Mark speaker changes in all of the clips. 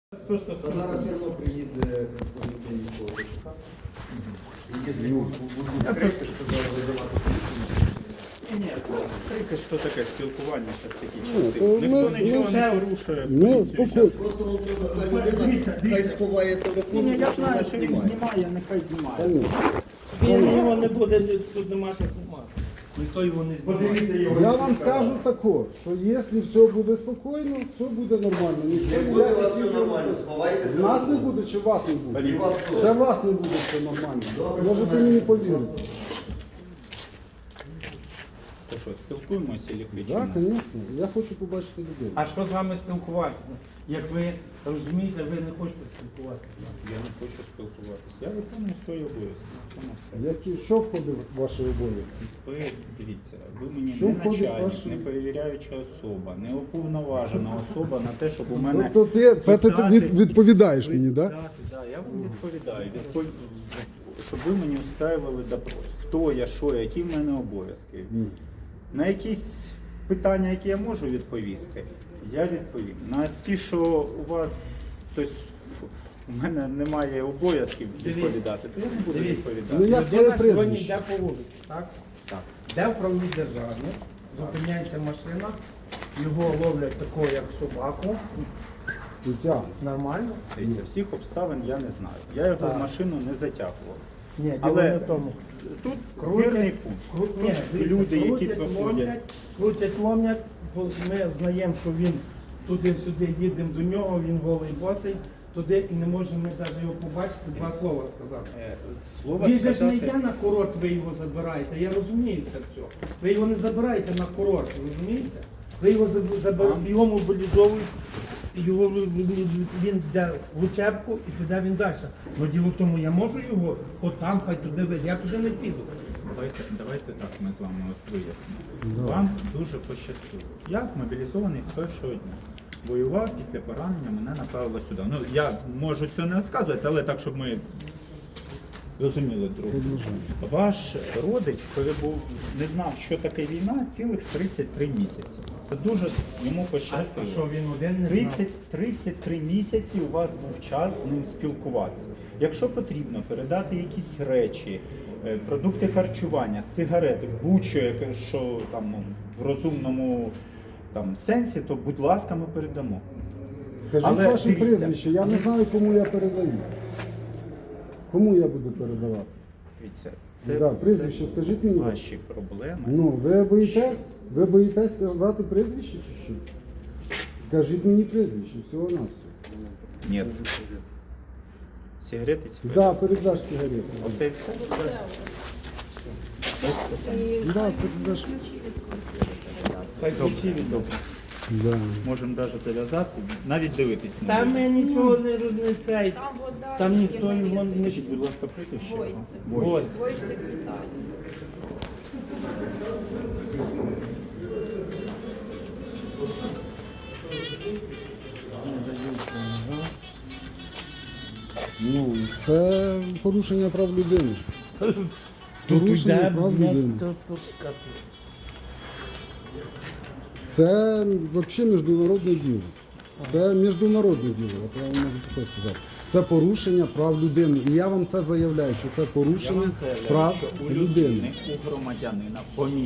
Speaker 1: Просто
Speaker 2: Та зараз все одно приїде представники військового ТЦК. Які будуть крики, що зараз визивати поліцію.
Speaker 1: ні, крики, що таке спілкування зараз такі
Speaker 3: то
Speaker 1: часи.
Speaker 3: ми-
Speaker 1: Ніхто нічого
Speaker 3: ми-
Speaker 1: не порушує.
Speaker 3: Ну,
Speaker 1: поліцію
Speaker 3: спокійно.
Speaker 2: Просто та людина хай сховає телефон,
Speaker 1: Ні, я
Speaker 2: просто
Speaker 1: знаю,
Speaker 2: нас
Speaker 1: що він
Speaker 2: знімає.
Speaker 1: знімає, нехай знімає.
Speaker 3: Конечно.
Speaker 4: Він його не буде, тут нема що знімати. Ніхто його не знімає.
Speaker 2: Подивіться його.
Speaker 3: Я вам скажу тако, що якщо все буде спокійно, все буде нормально. Ніхто
Speaker 2: Не буде у вас
Speaker 3: ніяких
Speaker 2: все
Speaker 3: відео
Speaker 2: нормально, сховайте
Speaker 3: В нас не
Speaker 2: телефон.
Speaker 3: буде чи вас не буде?
Speaker 2: І вас теж.
Speaker 3: Це вас не буде все нормально. Можете мені повірити.
Speaker 1: То що, спілкуємося чи кричимо?
Speaker 3: Так, звісно. Я хочу побачити людей.
Speaker 4: А що з вами спілкуватися? Як ви розумієте, ви не хочете спілкуватися.
Speaker 1: Я не хочу спілкуватися. Я виконую свої обов'язки. В цьому все.
Speaker 3: Що входить в ваші обов'язки?
Speaker 1: Ви дивіться, ви мені
Speaker 3: Що
Speaker 1: не
Speaker 3: входить в
Speaker 1: начальник,
Speaker 3: ваші-
Speaker 1: не перевіряюча особа, не уповноважена особа на те, щоб у мене...
Speaker 3: Тобто ти відповідаєш мені, так?
Speaker 1: Так, я вам відповідаю. Щоб ви мені устраювали допрос. Хто я, що я, які в мене обов'язки. На якісь питання, які я можу відповісти, я відповім. На ті, що у вас, тобто, у мене немає обов'язків відповідати, то я не буду
Speaker 4: Дивіться.
Speaker 3: Ну
Speaker 1: відповідати.
Speaker 3: як твоє
Speaker 4: Людина сьогодні
Speaker 3: прізвище?
Speaker 4: йде по вулиці, так?
Speaker 1: Так.
Speaker 4: Де в правовій державі, зупиняється машина, його ловлять такого, як собаку.
Speaker 3: Дитя.
Speaker 4: Нормально?
Speaker 1: Дивіться, всіх обставин я не знаю. Я його
Speaker 4: Так.
Speaker 1: в машину не затягував.
Speaker 4: Ні, діло
Speaker 1: Але
Speaker 4: не в тому.
Speaker 1: тут
Speaker 4: Крутять,
Speaker 1: збірний пункт.
Speaker 4: Ні,
Speaker 1: Тут
Speaker 4: дивіться,
Speaker 1: люди, які
Speaker 4: крутять,
Speaker 1: проходять.
Speaker 4: крутять, ломлять, бо ми знаємо, що він туди-сюди їдемо до нього, він голий босий, туди і не можемо ми навіть його побачити, два слова сказати.
Speaker 1: Слова
Speaker 4: Він же ж не
Speaker 1: сказати,
Speaker 4: йде на курорт, ви його забираєте, я розумію це все. Ви його не забираєте на курорт, розумієте? Ви його забираєте, його мобілізовують, він йде в учебку і піде він далі. Ну діло в тому, я можу його, от там, хай туди вийде, я туди не піду.
Speaker 1: давайте так ми з вами от вияснимо. Вам дуже пощастило. Я мобілізований з першого дня. Воював після поранення, мене направили сюди. Ну, я можу цього не розказувати, але так, щоб ми розуміли друг друга. Ваш родич перебув, не знав, що таке війна, цілих 33 місяці. Це дуже йому
Speaker 4: А
Speaker 1: пощастило.
Speaker 4: що він один не знав?
Speaker 1: 33 місяці у вас був час з ним спілкуватися. Якщо потрібно передати якісь речі, продукти харчування, сигарети, будь-що, яке, що там ну, в розумному там, сенсі, то будь ласка, ми передамо.
Speaker 3: Скажіть
Speaker 1: Але
Speaker 3: ваше
Speaker 1: дивіться.
Speaker 3: прізвище, я не знаю, кому я передаю. Кому я буду передавати?
Speaker 1: Дивіться,
Speaker 3: Да, прізвище скажіть мені.
Speaker 1: ваші проблеми.
Speaker 3: Ну, ви боїтесь? Ви боїтесь сказати прізвище чи що? Скажіть мені прізвище, всього на все.
Speaker 1: Ні. Сигарети ці?
Speaker 3: Да, передаш сигарету.
Speaker 1: Оце і все?
Speaker 3: Да, передаш.
Speaker 4: Хай ключі віддав.
Speaker 3: Да.
Speaker 1: Можемо навіть зав'язати, навіть дивитись на
Speaker 4: Там
Speaker 1: нього.
Speaker 4: ми нічого не цей.
Speaker 5: Там вода,
Speaker 4: Там
Speaker 5: є
Speaker 4: ніхто його не...
Speaker 1: Скажіть, будь ласка, прізвище. його.
Speaker 5: Войцек.
Speaker 4: Ось.
Speaker 5: Войцек Віталій.
Speaker 3: Ну, це порушення прав людини. Порушення
Speaker 4: йде,
Speaker 3: прав
Speaker 4: блядь,
Speaker 3: людини.
Speaker 4: тут капець.
Speaker 3: Це взагалі міжнародне діло. Це міжнародне діло, от я вам можу таке сказати. Це порушення прав людини. І я вам це заявляю, що це
Speaker 1: Я
Speaker 3: порушення
Speaker 1: вам заявляю,
Speaker 3: прав
Speaker 1: що у
Speaker 3: людини.
Speaker 1: людини, у громадянина,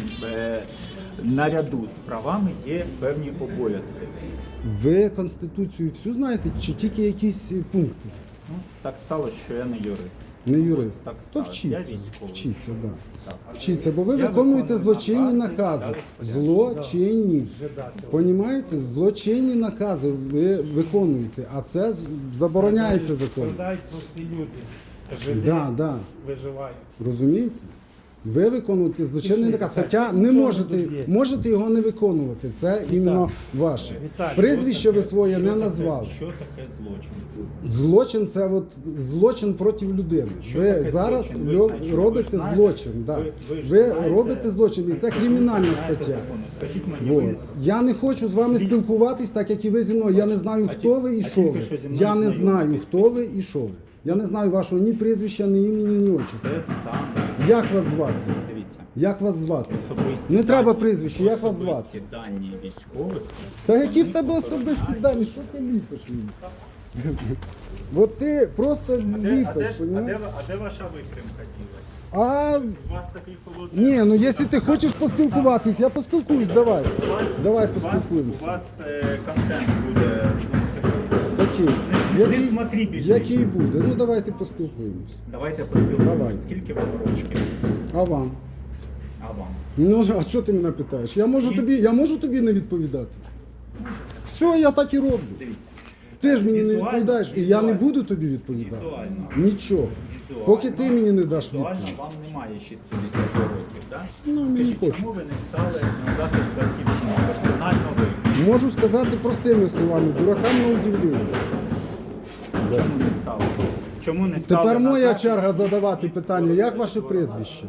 Speaker 1: наряду з правами є певні обов'язки.
Speaker 3: Ви Конституцію всю знаєте, чи тільки якісь пункти?
Speaker 1: Ну, так сталося, що я не юрист.
Speaker 3: Не юрист.
Speaker 1: Так
Speaker 3: То
Speaker 1: сталося. Я
Speaker 3: вчіться.
Speaker 1: військовий.
Speaker 3: Вчіться, да.
Speaker 1: Так.
Speaker 3: Вчіться, бо ви
Speaker 1: Я
Speaker 3: виконуєте
Speaker 1: виконую
Speaker 3: злочинні
Speaker 1: накази,
Speaker 3: накази.
Speaker 1: дали розпорядження.
Speaker 3: Злочинні. Понімаєте? Злочинні накази ви виконуєте, а це забороняється законом.
Speaker 4: Страдають прості люди. Жиди
Speaker 3: Да.
Speaker 4: виживають.
Speaker 3: Розумієте? Ви виконуєте злочинний наказ, хоча не можете його не виконувати. Це іменно ваше.
Speaker 4: Віталій,
Speaker 3: Прізвище ви своє не назвали.
Speaker 1: Що таке злочин?
Speaker 3: Злочин це от злочин проти людини.
Speaker 1: Що
Speaker 3: Ви
Speaker 1: таке
Speaker 3: зараз
Speaker 1: злочин? Ви знаєте,
Speaker 3: робите
Speaker 1: ви знаєте?
Speaker 3: злочин. Да.
Speaker 1: Ви ж
Speaker 3: Ви
Speaker 1: знаєте-
Speaker 3: робите злочин, і це кримінальна
Speaker 1: Знаєте
Speaker 3: стаття.
Speaker 1: закони. Скажіть мені,
Speaker 3: Вот.
Speaker 1: ви
Speaker 3: Я не хочу з вами спілкуватись, так як і ви зі мною. Я не знаю, хто ви і що
Speaker 1: тільки
Speaker 3: ви.
Speaker 1: що зі мною
Speaker 3: Я не знаю,
Speaker 1: знайомитесь.
Speaker 3: хто ви і що ви. Я не знаю вашого ні прізвища, ні імені, ні отчества.
Speaker 1: це саме.
Speaker 3: Як вас звати?
Speaker 1: Дивіться.
Speaker 3: Як вас звати?
Speaker 1: Особисті
Speaker 3: Не треба
Speaker 1: дані-
Speaker 3: прізвище, як вас
Speaker 1: особисті
Speaker 3: звати?
Speaker 1: дані військових.
Speaker 3: Та які в тебе особисті дані? Що ти ліпиш мені? От ти просто ліпиш,
Speaker 1: А
Speaker 3: розумієш?
Speaker 1: де ваша витримка ділась?
Speaker 3: А
Speaker 1: У вас такий холодний...
Speaker 3: ні, ну якщо ти хочеш поспілкуватись, я поспілкуюсь, давай. Давай
Speaker 1: У
Speaker 3: поспілкуємося.
Speaker 1: вас контент буде
Speaker 3: Такий.
Speaker 1: не смотри більше.
Speaker 3: Який буде? Ну давайте поспілкуємось.
Speaker 1: Давайте поспілкуємося.
Speaker 3: Давай.
Speaker 1: Скільки вам рочків?
Speaker 3: А вам?
Speaker 1: А вам?
Speaker 3: Ну, а що ти мене питаєш? Я можу тобі не відповідати. Все, я так і роблю.
Speaker 1: Дивіться.
Speaker 3: Ти ж мені не
Speaker 1: Візуально,
Speaker 3: відповідаєш, і я не
Speaker 1: візуально.
Speaker 3: буду тобі відповідати.
Speaker 1: Візуально.
Speaker 3: Нічого.
Speaker 1: Візуально.
Speaker 3: Поки ти мені не даш
Speaker 1: Візуально
Speaker 3: відповідь.
Speaker 1: вам немає 60 років, так?
Speaker 3: Ну, мені
Speaker 1: Скажіть,
Speaker 3: пофіг.
Speaker 1: чому ви не стали на захист батьківщини? Персонально ви.
Speaker 3: Можу сказати простими словами, дуракам на удивлення.
Speaker 1: Чому не стали? Чому не стали
Speaker 3: Тепер
Speaker 1: на
Speaker 3: моя
Speaker 1: захист?
Speaker 3: черга задавати питання, як ваше прізвище?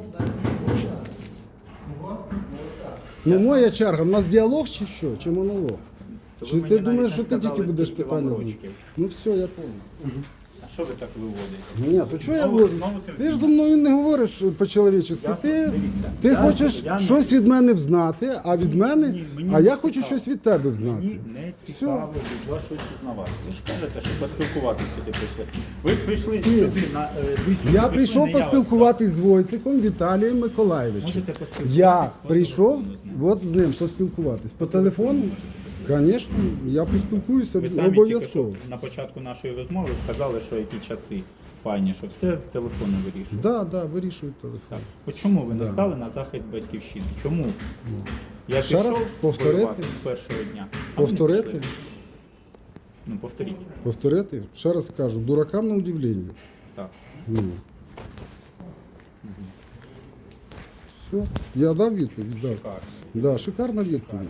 Speaker 3: Ну, моя черга, в нас діалог чи що? Чи монолог?
Speaker 1: То ви
Speaker 3: Чи
Speaker 1: мені
Speaker 3: ти
Speaker 1: навіть
Speaker 3: думаєш,
Speaker 1: не
Speaker 3: що ти
Speaker 1: сказали,
Speaker 3: тільки будеш
Speaker 1: скільки вам
Speaker 3: питання задавати?
Speaker 1: років.
Speaker 3: Ну все, я понял.
Speaker 1: А що ви так виводите?
Speaker 3: Ні, то чого я
Speaker 1: Знову-
Speaker 3: говорю?
Speaker 1: знову
Speaker 3: Ти ж зі мною не говориш по-чоловічески.
Speaker 1: Я-
Speaker 3: Ти,
Speaker 1: дивіться,
Speaker 3: ти
Speaker 1: я-
Speaker 3: хочеш
Speaker 1: я не-
Speaker 3: щось від мене взнати, а від мене,
Speaker 1: мені
Speaker 3: а
Speaker 1: не
Speaker 3: я хочу
Speaker 1: цікаво.
Speaker 3: щось від тебе взнати.
Speaker 1: Мені не цікаво від вашої пізнавати. Ви ж кажете, що поспілкуватися сюди прийшли. Ви прийшли сюди на ви сюди
Speaker 3: Я
Speaker 1: прийшли,
Speaker 3: прийшов
Speaker 1: не я вас
Speaker 3: поспілкуватись з Войциком Віталієм Миколаєвичем.
Speaker 1: Можете поспілкуватись
Speaker 3: Я
Speaker 1: по
Speaker 3: прийшов
Speaker 1: телефону з ним.
Speaker 3: от з ним поспілкуватись. По телефону? Звісно, я поспілкуюся
Speaker 1: Ви самі тільки
Speaker 3: обов'язково.
Speaker 1: що на початку нашої розмови сказали, що які часи файні, що все телефони вирішують.
Speaker 3: Так, да, вирішую телефон.
Speaker 1: Так. От чому ви не стали на захист батьківщини? Чому? Я
Speaker 3: Ще раз
Speaker 1: пішов
Speaker 3: повторити?
Speaker 1: воювати з першого дня. а ви не
Speaker 3: Повторити?
Speaker 1: пішли. Ну, повторіть.
Speaker 3: Повторити? Ще раз кажу, дуракам на удивлення.
Speaker 1: Так.
Speaker 3: Ну. Все, я дав відповідь, дав.
Speaker 1: Шикарно.
Speaker 3: Да, шикарна відповідь.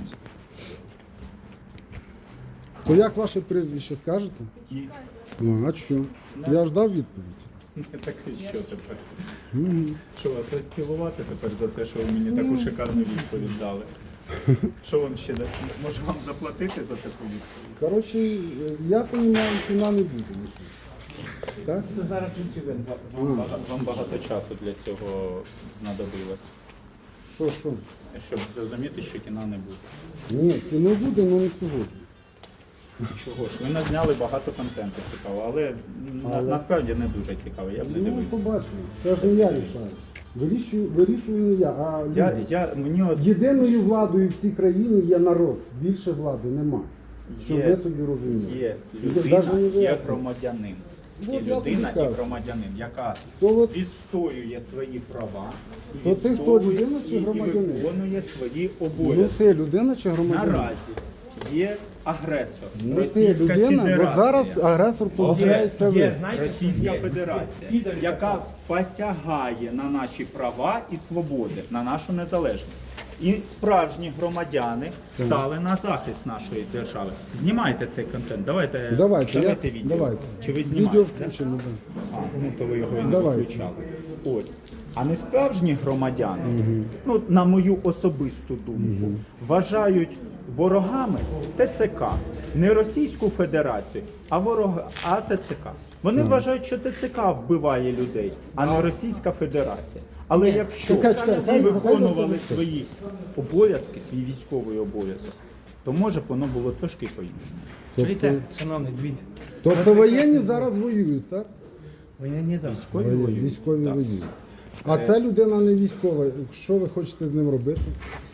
Speaker 3: То як ваше прізвище скажете?
Speaker 1: Ні.
Speaker 3: Ну, а що? Я ж дав відповідь.
Speaker 1: Так і що тепер? Що вас розцілувати тепер за це, що ви мені таку шикарну відповідь дали? Що вам ще дати? Може вам заплатити за таку відповідь?
Speaker 3: Коротше, я розумію, кіна не буде. Так?
Speaker 4: Це зараз ключове.
Speaker 1: Вам багато часу для цього знадобилось,
Speaker 3: Що?
Speaker 1: щоб зрозуміти, що кіна не буде.
Speaker 3: Ні, кіно буде, але не сьогодні.
Speaker 1: Чого ж? Ви назняли багато контенту цікавого, але насправді не дуже цікаво, я б не
Speaker 3: Ну,
Speaker 1: дивився.
Speaker 3: побачимо. Це ж не я рішаю. Вирішую не я, а люди.
Speaker 1: Мені от
Speaker 3: Єдиною владою в цій країні є народ. Більше влади немає. Щоб ви собі розуміли.
Speaker 1: є
Speaker 3: Даже не
Speaker 1: людина,
Speaker 3: ви.
Speaker 1: є громадянин.
Speaker 3: Ну,
Speaker 1: Є
Speaker 3: я тобі
Speaker 1: людина і
Speaker 3: кажу.
Speaker 1: громадянин, яка
Speaker 3: То от-
Speaker 1: відстоює свої права і
Speaker 3: То ти хто,
Speaker 1: відстоює
Speaker 3: людина чи
Speaker 1: і
Speaker 3: громадянин?
Speaker 1: виконує свої
Speaker 3: Ну
Speaker 1: обов'язки.
Speaker 3: це людина чи громадянин?
Speaker 1: Наразі є агресор,
Speaker 3: Ну це
Speaker 1: Російська
Speaker 3: людина,
Speaker 1: Федерація.
Speaker 3: от зараз агресор виходить ви.
Speaker 4: знаєте,
Speaker 1: Російська
Speaker 4: є.
Speaker 1: Федерація,
Speaker 4: Підарі
Speaker 1: яка посягає на наші права і свободи, на нашу незалежність. І справжні громадяни стали на захист нашої держави. Знімайте цей контент. Давайте відео.
Speaker 3: Давайте.
Speaker 1: Чи ви
Speaker 3: Відео
Speaker 1: знімаєте?
Speaker 3: включено, да.
Speaker 1: А, ну то ви його і не
Speaker 3: Давайте.
Speaker 1: виключали. Ось. А не справжні громадяни, ну, на мою особисту думку, вважають ворогами ТЦК. Не Російську Федерацію, а ТЦК. Вони вважають, що ТЦК вбиває людей, а не Російська Федерація. Але якщо
Speaker 3: чекай,
Speaker 1: всі
Speaker 3: хай
Speaker 1: виконували
Speaker 3: виконують.
Speaker 1: свої обов'язки, свій військовий обов'язок, то може б воно було трошки по-іншому.
Speaker 4: Чуєте, шановний, дивіться.
Speaker 3: Тобто воєнні зараз воюють, так?
Speaker 4: Воєнні, так.
Speaker 3: Військові
Speaker 1: Так.
Speaker 3: воюють. А ця людина не військова. Що ви хочете з ним робити?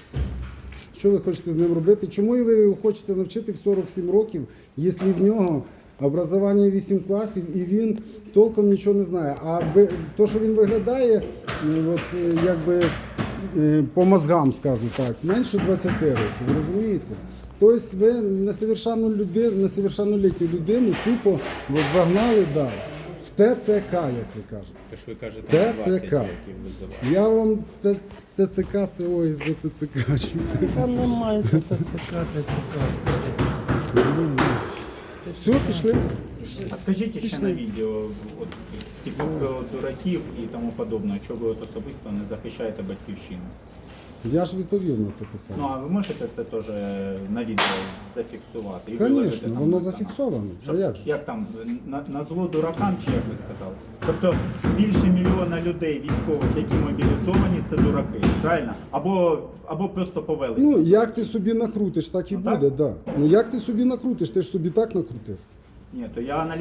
Speaker 3: Що ви хочете з ним робити? Чому ви його хочете навчити в 47 років, якщо в нього образування 8 класів і він толком нічого не знає? А то, що він виглядає, от, якби по мозгам, скажу так, менше 20 років, ви розумієте? Тобто ви несовершеннолітню людину тупо от, загнали далі. В ТЦК, як ви кажете.
Speaker 1: Тож ви кажете,
Speaker 3: ТЦК.
Speaker 1: 20 років визиває.
Speaker 3: Я вам ТЦК, це ой, за ТЦК.
Speaker 4: Там немає ТЦК.
Speaker 3: Все, пішли.
Speaker 1: А скажіть ще на відео, от, типу про дураків і тому подобне, чого ви от особисто не захищаєте батьківщину?
Speaker 3: Я ж відповів на це
Speaker 1: Ну
Speaker 3: питання.
Speaker 1: а ви можете це теж на відео зафіксувати? І виложити
Speaker 3: Звісно,
Speaker 1: там
Speaker 3: воно
Speaker 1: на канал?
Speaker 3: зафіксовано. А
Speaker 1: Щоб-
Speaker 3: як же?
Speaker 1: Як там, на зло дуракам, чи як ви сказали? Тобто більше мільйона людей військових, які мобілізовані, це дураки, правильно? Або просто повелися.
Speaker 3: Ну, як ти собі накрутиш, так і
Speaker 1: Ну, так?
Speaker 3: буде, так. Да. Ну як ти собі накрутиш, ти ж собі так накрутив.
Speaker 1: Ні, то я